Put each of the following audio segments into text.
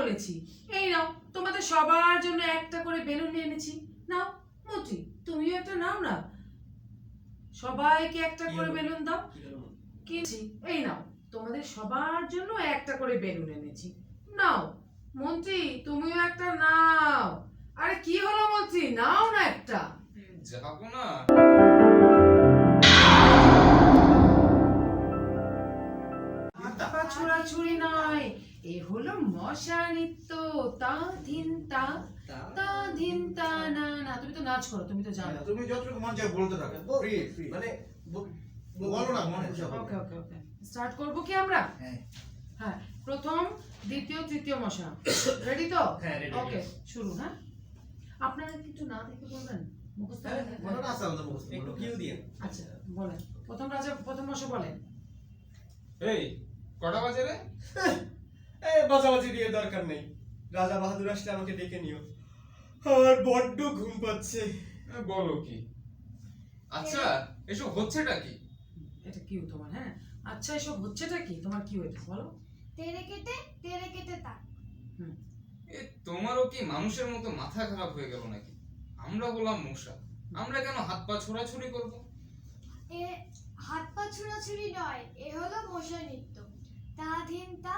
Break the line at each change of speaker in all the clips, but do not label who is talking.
বলেছি। এই নাও, তোমাদের সবার জন্য একটা করে বেলুন নিয়ে এনেছি। নাও মন্ত্রী, তুমিও একটা নাও না, সবাইকে একটা করে বেলুন দাও। কিনছি, এই নাও, তোমাদের সবার জন্য একটা করে বেলুন এনেছি। নাও মন্ত্রী, তুমিও একটা নাও। আরে কি হলো মন্ত্রী, নাও না একটা।
যাবো না।
ছোড়াছুড়ি নয়, এ হলো মশা নৃত্য। তা ধিন তা, তা ধিন তা না না। তুমি তো নাচ করো, তুমি তো জানো।
তুমি যতটুকু মন চায় বলতে থাকো, ফ্রি ফ্রি
মানে
বলো না, মন খুশি হবে।
ওকে ওকে ওকে, স্টার্ট করব কি আমরা?
হ্যাঁ
হ্যাঁ, প্রথম দ্বিতীয় তৃতীয় মশা। রেডি তো?
হ্যাঁ, ready,
ওকে,
ready।
শুরু। হ্যাঁ, আপনারা কিছু না দেখে বলবেন, মুখস্থ
হ্যাঁ,
করে?
মনে আছে আমাদের মুখস্থ
একটু কিউ দিয়ে।
আচ্ছা বলেন, প্রথম রাজা প্রথম মশা বলেন।
এই কটা বাজে রে?
এই বাজাবাজি দিয়ে দরকার নেই, রাজা বাহাদুর আসলে আমাকে ডেকে নিও, আমার বড্ড ঘুম পাচ্ছে।
বলো কি? আচ্ছা, এসব হচ্ছেটা কি?
এটা কিউ তোমার? হ্যাঁ, আচ্ছা এসব হচ্ছেটা কি তোমার? কিউ এটা বলো।
তেরে কেটে তাক।
এ তোমারও কি মানুষের মতো মাথা খারাপ হয়ে গেল নাকি? আমরা বললাম মশা, আমরা কেন হাত পা ছোড়াছুড়ি করব?
এ হাত পা ছুড়াছুড়ি নয়, এ হলো মশা নৃত্য। তা ধিন তা,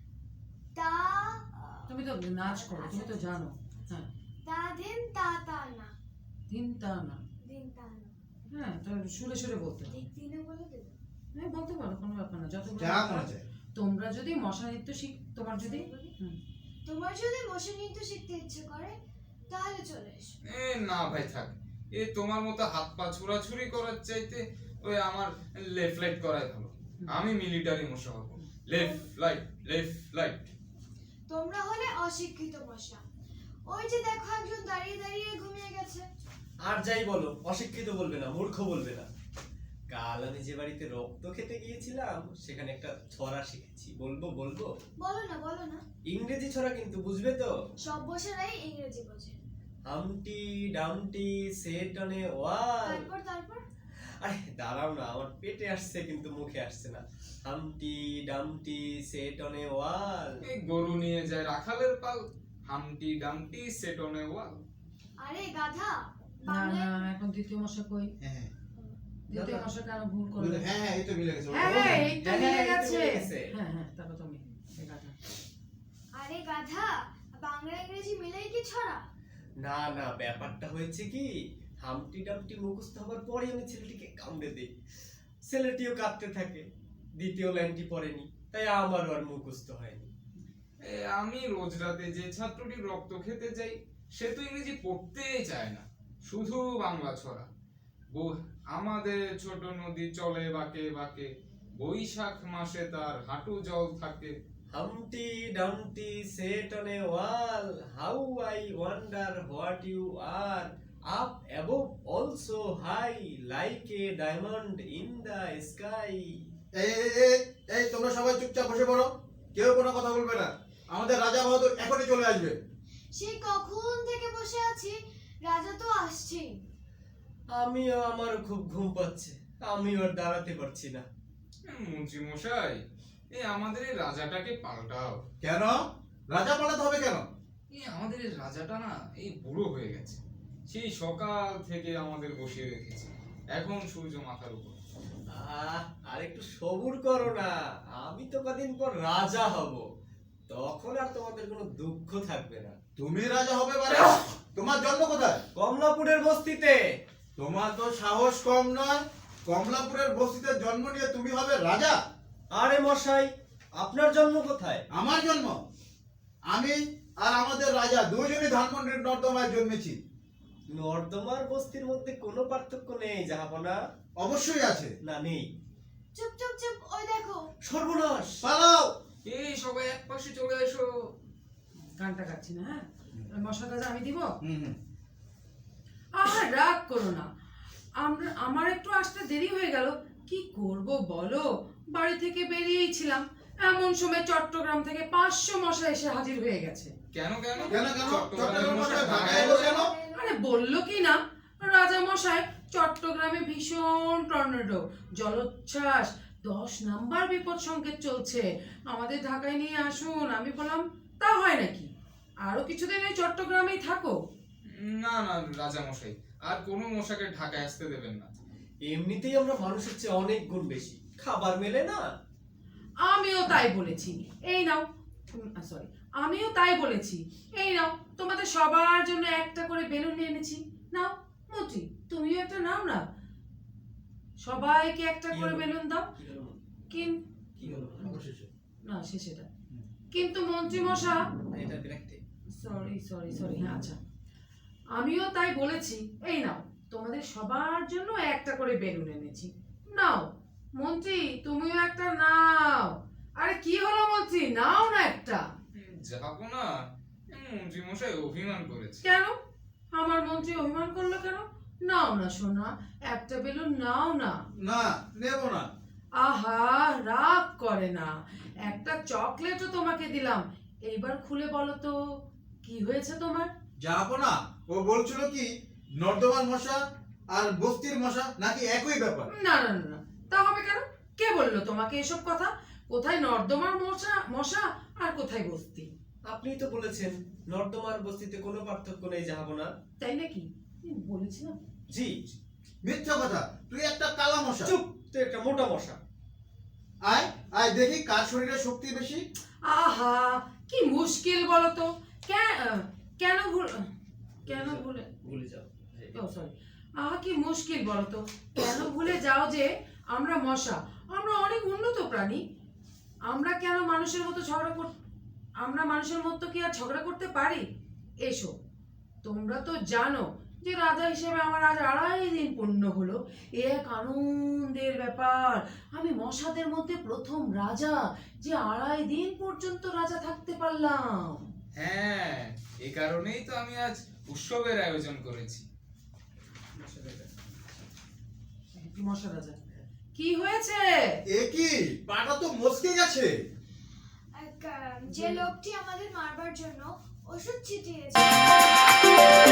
তা
তুমি তো নাচ করো, তুমি তো জানো। হ্যাঁ,
তা ধিন তা তা না,
দিন তা না।
দিন তা না।
হ্যাঁ, তো সুরে সুরে বলতে হবে।
ঠিক দিনে বলে দেব।
হ্যাঁ, বলতে পারো, কোনো ব্যাপার না। যত
যা মনে চায়।
তোমরা যদি মশা নৃত্য তোমার যদি
তোমার যদি মশা নৃত্য শিখতে ইচ্ছে করে তাহলে চলে এসো।
এ না ভাই থাক, এ তোমার মতো হাত পা ছোড়াছুড়ি করার চাইতে ওই আমার লেফট লাইট করাই ভালো। আমি মিলিটারি মশা হব। Left right.
তোমরা হলে অশিক্ষিত মশা। ওই যে দেখো একজন দাঁড়িয়ে দাঁড়িয়ে ঘুমিয়ে গেছে।
আর যাই বলো, অশিক্ষিত বলবে না, মূর্খ বলবে না। কাল আমি যে বাড়িতে রক্ত খেতে গিয়েছিলাম সেখানে একটা ছড়া শিখেছি, বলবো?
বলো না।
ইংরেজি ছড়া কিন্তু, বুঝবে তো?
সব বসেরাই ইংরেজি বোঝে।
Humpty dumpty sat on a wall.
তারপর
আরে দাঁড়াও না, আমার পেটে আসছে কিন্তু মুখে আসছে না। Humpty dumpty sat on a wall.
এই গরু নিয়ে যায় রাখালের পাল, হামটি ডামটি সেট অন এ ওয়াল।
আরে গাধা,
না না,
বাংলায়
এখন দ্বিতীয় মশা কই?
হ্যাঁ
দ্বিতীয় মশা কেন ভুল করলে?
হ্যাঁ হ্যাঁ, এই তো মিলে গেছে।
হ্যাঁ হ্যাঁ, এই তো
হ্যাঁ,
মিলে
এই তো
গেছে।
মিলে গেছে।
হ্যাঁ হ্যাঁ, তারপর তুমি এই কথা।
আরে গাধা, বাংলা ইংরেজি মিলেই কি ছড়া?
না না, ব্যাপারটা হয়েছে কি, হামটি ডামটি মুখস্থ হবার পরে আমি ছেলেটিকে কামড়ে দেই, ছেলেটিও কাঁদতে থাকে, দ্বিতীয় লাইনটি পড়েনি, তাই আমারও আর মুখস্থ হয়নি।
আমি রোজ রাতে যে ছাত্রটি রক্ত খেতে যাই, সে তো ইংরেজি পড়তেই চায় না, শুধু বাংলা ছড়া। আমাদের ছোট নদী চলে বাঁকে বাঁকে, বৈশাখ মাসে তার হাঁটু জল থাকে।
Humpty dumpty sat on a wall, how I wonder what you are, up above also high, like a diamond in the sky.
এই এই এই এই, তোমরা সবাই চুপচাপ বসে পড়ো, কেউ কোনো কথা বলবে না। আমাদের রাজা বাহাদুর এখনই চলে আসবে।
সেই কখন থেকে বসে আছি, রাজা তো আসছেই।
আমিও, আমারও খুব ঘুম পাচ্ছে, আমিও আর দাঁড়াতে পারছি না।
মন্ত্রী মশাই, এই আমাদের এই রাজাটাকে পাল্টাও।
কেন রাজা পালাতে হবে কেন?
এই আমাদের এই রাজাটা না এই বুড়ো হয়ে গেছে, সেই সকাল থেকে আমাদের বসিয়ে রেখেছে, এখন সূর্য মাথার উপর।
আর একটু সবুর করো না, আমি তো কদিন পর রাজা হব, তখন আর তোমাদের কোনো দুঃখ থাকবে না।
তুমি রাজা হবে মানে? তোমার জন্ম কোথায়?
কমলাপুরের বস্তিতে।
তোমার তো সাহস কম নয়, কমলাপুরের বস্তিতে জন্ম নিয়ে তুমি হবে রাজা?
আরে মশাই, আপনার জন্ম কোথায়?
আমার জন্ম, আমি আর আমাদের রাজা দুজনই ধানমন্ডির নর্দমায় জন্মেছি।
নর্দমার বস্তির মধ্যে কোনো পার্থক্য নেই জাহাপনা।
অবশ্যই আছে।
না নেই।
চুপ চুপ চুপ, ওই দেখো।
সর্বনাশ!
পালাও।
এই সবাই এক পাশে চলে এসো।
গানটা গাচ্ছি না? হ্যাঁ, মশা গাজা আমি দিব।
হুম।
আর রাগ করো না, আমার একটু আসতে দেরি হয়ে গেল। কি করব বলো, বাড়ি থেকে বেরিয়েই ছিলাম, এমন সময় চট্টগ্রাম থেকে 500 মশা এসে হাজির হয়ে গেছে।
কেন কেন
কেন কেন?
চট্টগ্রামের মশা
ঢাকায়
ঢাকায়
এলো
এলো
কেন?
আরে বললো কি না, রাজা মশাই চট্টগ্রামে ভীষণ টর্নেডো, জলোচ্ছ্বাস, 10 নাম্বার বিপদ সংকেত চলছে, আমাদের ঢাকায় নিয়ে আসুন। আমি বললাম তা হয় নাকি? আরো কিছুদিন এই চট্টগ্রামেই থাকো।
না না রাজা মশাই, আর কোনো মশাকে ঢাকায় আসতে দেবেন না।
এমনিতেই আমরা মানুষের চেয়ে অনেক গুণ বেশি, খাবার মেলে না।
আমিও তাই বলেছি। এই নাও, সরি, আমিও তাই বলেছি। এই নাও, তোমাদের সবার জন্য একটা করে বেলুন নিয়ে এনেছি। নাও মতি, তুমিও একটা নাও না। সবাইকে একটা
কি
করে
হলো?
বেলুন দাও।
কি হলো?
কিন্তু
কি হলো?
অবশেষে
না, সেটা কিন্তু মন্ত্রী মশা,
এটা বিরক্তি।
সরি সরি সরি, হ্যাঁ আচ্ছা, আমিও তাই বলেছি। এই নাও, তোমাদের সবার জন্য একটা করে বেলুন এনেছি। নাও মন্ত্রী, তুমিও একটা নাও। আরে কি হলো মন্ত্রী, নাও না একটা।
যাবো না, মন্ত্রী মশাই অভিমান করেছে।
কেন? আমার মন্ত্রী অভিমান করলো কেন? নাও না সোনা, একটা বেলুন নাও না।
না, নেব না।
আহা, রাগ করে না। একটা চকলেটও তোমাকে দিলাম, এইবার খুলে বলো তো কি হয়েছে তোমার?
যাবো না। ও বলছিল কি নর্দমার মশা আর বস্তির মশা নাকি একই ব্যাপার।
না না না না, তা হবে কেন? কে বললো তোমাকে এসব কথা? কোথায় নর্দমার মশা মশা আর কোথায় বস্তি?
আপনিই তো বলেছেন নর্দমার বস্তিতে কোনো পার্থক্য নেই, যাবো না।
তাই নাকি? বলেছি না?
জি।
মিথ্যা কথা, তুই একটা কালা মশা।
চুপ, তো একটা মোটা মশা।
আয় আয় দেখি কার শরীরে শক্তি বেশি।
আহা, কি মুশকিল বলো তো। কেন ভুলে
ভুলে যাও।
ও সরি, আহা কি মুশকিল বলো তো। কেন ভুলে যাও যে আমরা মশা, আমরা অনেক উন্নত প্রাণী। আমরা কেন মানুষের মতো আমরা মানুষের মতো কি আর ঝগড়া করতে পারি? এসো, তোমরা তো জানো যে রাজা হিসেবে আমার আজ 2.5 দিন পূর্ণ হলো। এক আনন্দের ব্যাপার। আমি মশাদের মধ্যে প্রথম রাজা যে 2.5 দিন পর্যন্ত রাজা থাকতে পারলাম।
হ্যাঁ, এই কারণেই তো আমি আজ উৎসবের আয়োজন করেছি।
মশা রাজা, কি হয়েছে?
এ কি, পাটা তো মচকে গেছে।
যে লোকটি আমাদের মারবার জন্য ওষুধ ছিটিয়েছে